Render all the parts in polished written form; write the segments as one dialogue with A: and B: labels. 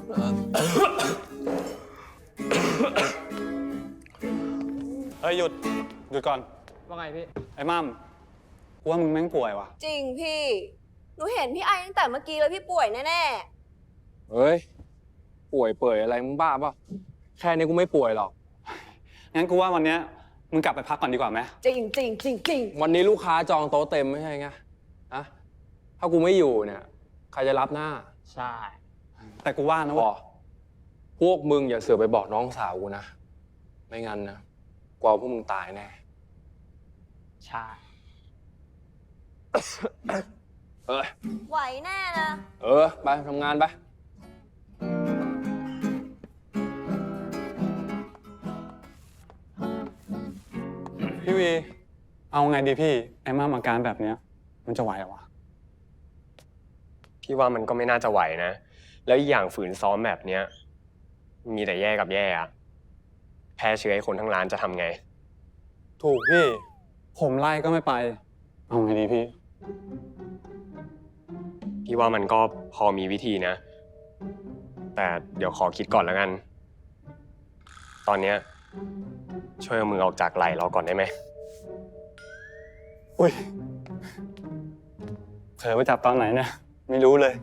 A: เฮ้ยหยุดก่อน
B: ว่าไงพี่
A: ไอ้มั่มกูว่ามึงแม่งป่วยว่ะ
C: จริงพี่หนูเห็นพี่ไอตั้งแต่เมื่อกี้เลยพี่ป่วยแน่
D: เฮ้ยป่วยเปื่อยอะไรมึงบ้าป่ะแค่นี้กูไม่ป่วยหรอก
A: งั้นกูว่าวันเนี้ยมึงกลับไปพักก่อนดีกว่าไหม
C: จริง
D: วันนี้ลูกค้าจองโต๊ะเต็มไม่ใช่ไงอะถ้ากูไม่อยู่เนี่ยใครจะรับหน้า
B: ใช่
A: แต่กูว่านะ
D: ว่าพวกมึงอย่าเสือกไปบอกน้องสาวกูนะไม่งั้นนะกลัวพวกมึงตายแน่
B: ใช่
C: ไหวแน่นะ
D: ไปทำงานไป
A: พี่วีเอาไงดีพี่ไอ้มั่มอาการแบบเนี้ยมันจะไหวเหรอวะ
E: พี่ว่ามันก็ไม่น่าจะไหวนะแล้วอีกอย่างฝืนซ้อมแบบเนี้ยมีแต่แย่กับแย่อะแพร่เชื้อให้คนทั้งร้านจะทำไง
A: ถูกพี่ผมไล่ก็ไม่ไปเอาไงดี
E: พี่ว่ามันก็พอมีวิธีนะแต่เดี๋ยวขอคิดก่อนแล้วกันตอนเนี้ยช่วยเอามือออกจากไหล่เราก่อนได้ไหม
A: อุ้ยเผลอไปจับตอนไหนเนี่ยไม่รู้เลย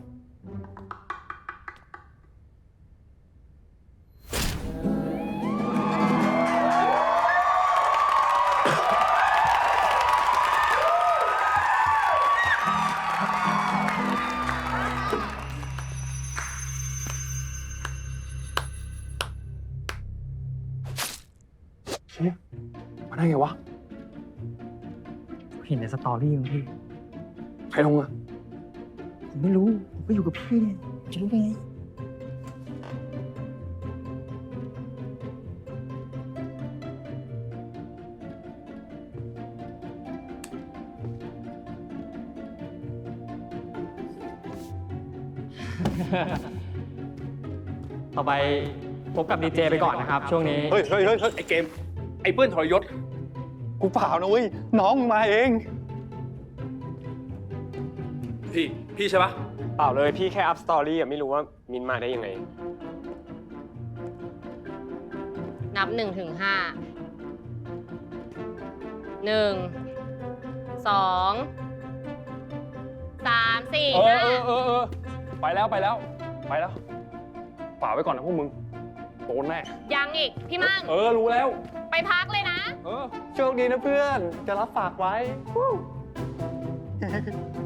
D: มาได้ไงวะ
B: เห็นในสตอรี่มั้งพี่
D: ใครลงอะ
B: ผมไม่รู้ผมก็อยู่กับพี่เนี่ยจะรู้ได้ไงต่อไปพบกับดีเจไปก่อนนะครับช่วงนี้
A: เฮ้ยไอ้เกมไอ้เพื่อนทรยศกูเปล่านะเว้ยน้องมึงมาเอง
E: พี่ใช่ปะเปล่าเลยพี่แค่อัพสตอรี่ไม่รู้ว่ามินมาได้ยังไง
F: นับ1 ถึง 5 1 2 3 4
D: 5ไปแล้วฝากไว้ก่อนนะพวกมึงโดนแน่
F: ยังอีกพี่มั่ง
D: รู้แล้ว
F: ไปพักเลยนะ
A: โชคดีนะเพื่อนจะรับฝากไว้